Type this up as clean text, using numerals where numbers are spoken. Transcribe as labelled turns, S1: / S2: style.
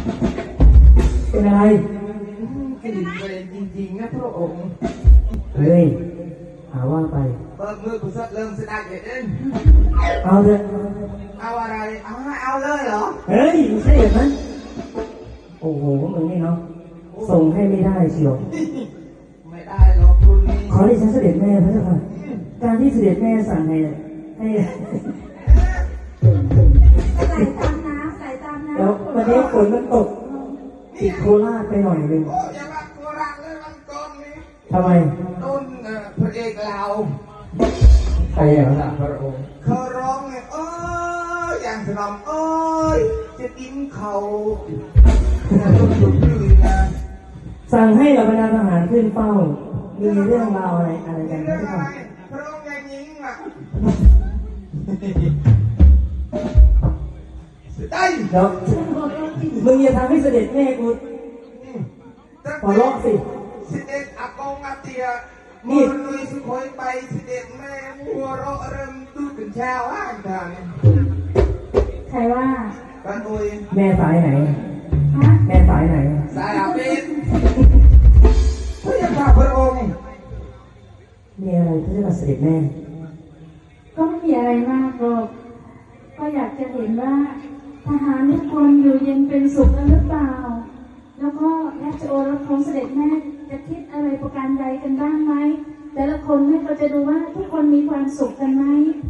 S1: เป็นอะไร
S2: กลิ่นเวรจริงๆนะพระองค์
S1: เฮ้ยหาว่าไป
S2: เปิดมือกูสักเริ่มสดายเด่น
S1: เอาเลย
S2: เอาอะไรเอาเลยเหรอ
S1: เฮ้ยไม่ใช่อย่างนั้นโอ้โหมึงนี่เนาะส่งให้ไม่ได้เชียว
S2: ไม่ได้หรอกคุณนี่
S1: ขอดิฉันเสด็จแม่พระเจ้าค่ะการที่เสด็จแม่สั่งให้
S3: ใส่ตามน้ำใส่ตามน้ำ
S1: แล้ววันนี้ฝนมันตกติดโคราชไปหน่อยนึง
S2: โอ้อย่าว่าโคราชเลยมันก่อนนี้
S1: ทำไม
S2: โดนพระเอกเรา
S1: ใครอย่างนั้น
S2: พระองค์เขาร้องไงอย่างสนอมจะกินเขาต้องหยุดยืนนะ
S1: สั่งให้เหล่าบรรดาทหารขึ้นเฝ้ามีเรื่องราวอะไรกัน
S2: เรื่อง
S1: ที่ท
S2: อะไรพระองค์ยังยิงอ่ะได้
S1: เดี๋ยวมึงอย่าทำให้เสด็จแม่กูขอร้องสิ
S2: เสด็จอากงอาเตียนี่ลุยสุโขยไปเสด็จแม่หัวเราะเริ่มดูกันเช้าอ่านทาง
S3: ใครว่า
S2: บ้านอุย
S1: แม่สายไหนแม่สายไหน
S2: สายอาเบนพระยาค่ะพระองค์
S1: มีอะไรที่จะมาเสด็จแม่
S3: ก็ไม่มีอะไรมากหรอกก็อยากจะเห็นว่าทหารทุกคนอยู่เย็นเป็นสุขกันหรือเปล่าแล้วก็ราชโอรสของเสด็จแม่จะคิดอะไรประการใดกันบ้างไหมแต่ละคนแม่ก็จะดูว่าทุกคนมีความสุขกันไหม